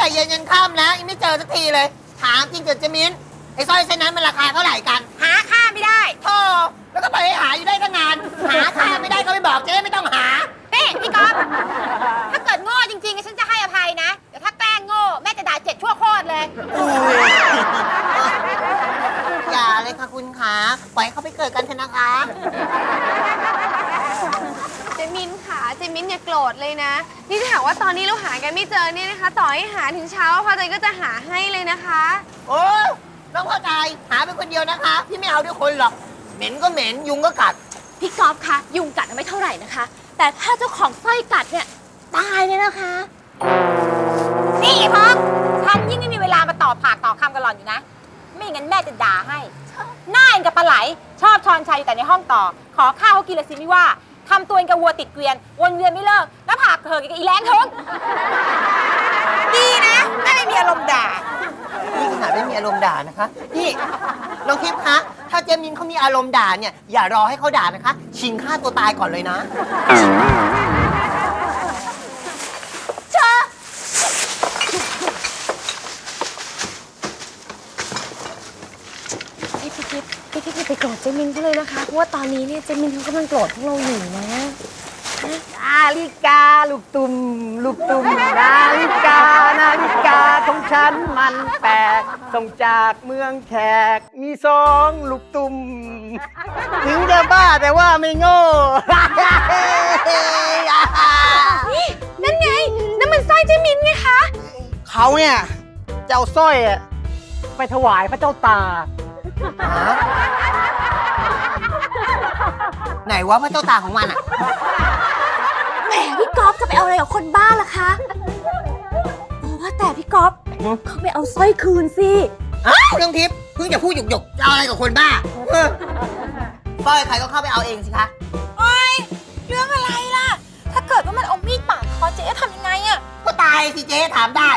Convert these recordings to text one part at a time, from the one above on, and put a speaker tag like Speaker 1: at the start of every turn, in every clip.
Speaker 1: เย็นยันค่ำแล้วยังไม่เจอสักทีเลยถามจริงเกิดเจมินไอ้สร้อยเส้นนั้นมันราคาเท่าไหร่กัน
Speaker 2: หาค่าไม่ได้
Speaker 1: โธ่แล้วก็ไปหาอยู่ได้ตั้งนานหาค่าไม่ได้ก็ไม่บอกเจ๊ไม่ต้องหา
Speaker 2: นี่พี่ก๊อฟถ้าเกิดโง่จริงๆฉันจะให้อภัยนะแต่ถ้าแกล้งโง่แม่จะด่า7 ชั่วโคตรเลย
Speaker 1: อย่าเลยค่ะคุณขาปล่อยเขาไปเกิดกันเถอะนะคะ
Speaker 3: เจมินค่ะเจมินอย่าโกรธเลยนะนี่ถ้าหากว่าตอนนี้เราหากันไม่เจอเนี่ยนะคะต่อให้หาถึงเช้าพอใจก็จะหาให้เลยนะคะ
Speaker 1: โอ้น้องพอใจหาเป็นคนเดียวนะคะพี่ไม่เอาด้วยคนหรอกเหม็นก็เหม็นยุงก็กัด
Speaker 3: พี่ก๊อฟคะยุงกัดไม่เท่าไหร่นะคะแต่ถ้าเจ้าของสร้อยกัดเนี่ยตายเลยนะคะ
Speaker 2: นี่พ้องฉันยิ่งไม่มีเวลามาต่อปากต่อคำกันหล่อนอยู่นะไม่งั้นแม่จะด่าให้หน้าเองกับปลาไหลชอบชอนชัยอยู่แต่ในห้องต่อขอข้าวเขากินละสิไม่ว่าทำตัวเองกับวัวติดเกวียนวนเวียนไม่เลิกแล้วผากเธอกับอีแรงทึงดีนะแม่ไม่มีอารมณ์ด่า
Speaker 1: นี่ขนาดไม่มีอารมณ์ด่านะคะนี่น้องทิพย์คะถ้าเจมินเขามีอารมณ์ด่าเนี่ยอย่ารอให้เขาด่านะคะชิงฆ่าตัวตายก่อนเลยนะ
Speaker 3: เจ้าพี่ไปโกรธเจมินเขาเลยนะคะเพราะว่าตอนนี้เนี่ยเจมินเขากำลังโกรธพวกเราอยู่นะ
Speaker 4: นาฬิกาลูกตุ่มลูกตุ่มนาฬิกของฉันมันแปลกส่งจากเมืองแขกมี2 ลูกตุ่มถึงจะบ้าแต่ว่าไม่โง่
Speaker 3: นั่นไงนั่นมันสร้อยเจมินไงคะ
Speaker 4: เขาเนี่ยจะเอาสร้อยไปถวายพระเจ้าตา
Speaker 1: ไหนวะพระเจ้าตาของมันอ่ะ
Speaker 3: แหมพี่ก๊อฟจะไปเอาอะไรกับคนบ้าล่ะคะว่าแต่พี่ก๊อฟเขาไปเอาสร้อยคืนสิ
Speaker 1: อ้าวน้องทิพย์เพิ่งจะพูดหยกๆจะเอาอะไรกับคนบ้าสร้อยใครก็เข้าไปเอาเองสิคะ
Speaker 2: โอ๊ยเรื่องอะไรล่ะถ้าเกิดว่ามันเอามีดปาดคอเจ๊จะทำยังไงอะ
Speaker 1: ก็ตายสิเจ๊ถามได้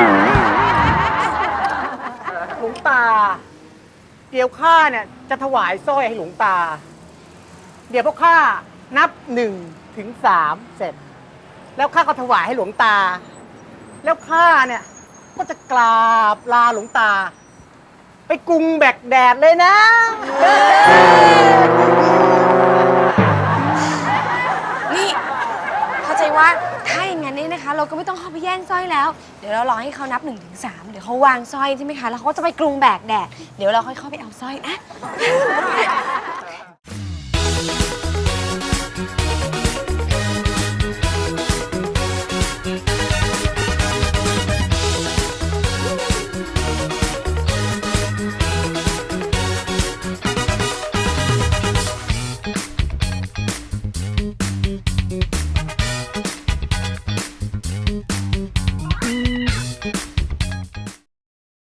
Speaker 4: หลวงตาเดี๋ยวข้าเนี่ยจะถวายสร้อยให้หลวงตาเดี๋ยวพวกข้านับ1 ถึง 3เสร็จแล้วข้าก็ถวายให้หลวงตาแล้วข้าเนี่ยก็จะกราบลาหลวงตาไปกรุงแบกแดดเลยนะ
Speaker 3: นี่เข้าใจว่าถ้าอย่างนั้นเนี่ยนะคะเราก็ไม่ต้องเข้าไปแย่งสร้อยแล้วเดี๋ยวเรารอให้เขานับ1 ถึง 3เดี๋ยวเขาวางสร้อยใช่ไหมคะแล้วเขาจะไปกรุงแบกแดดเดี๋ยวเราค่อยเข้าไปเอาสร้อยนะ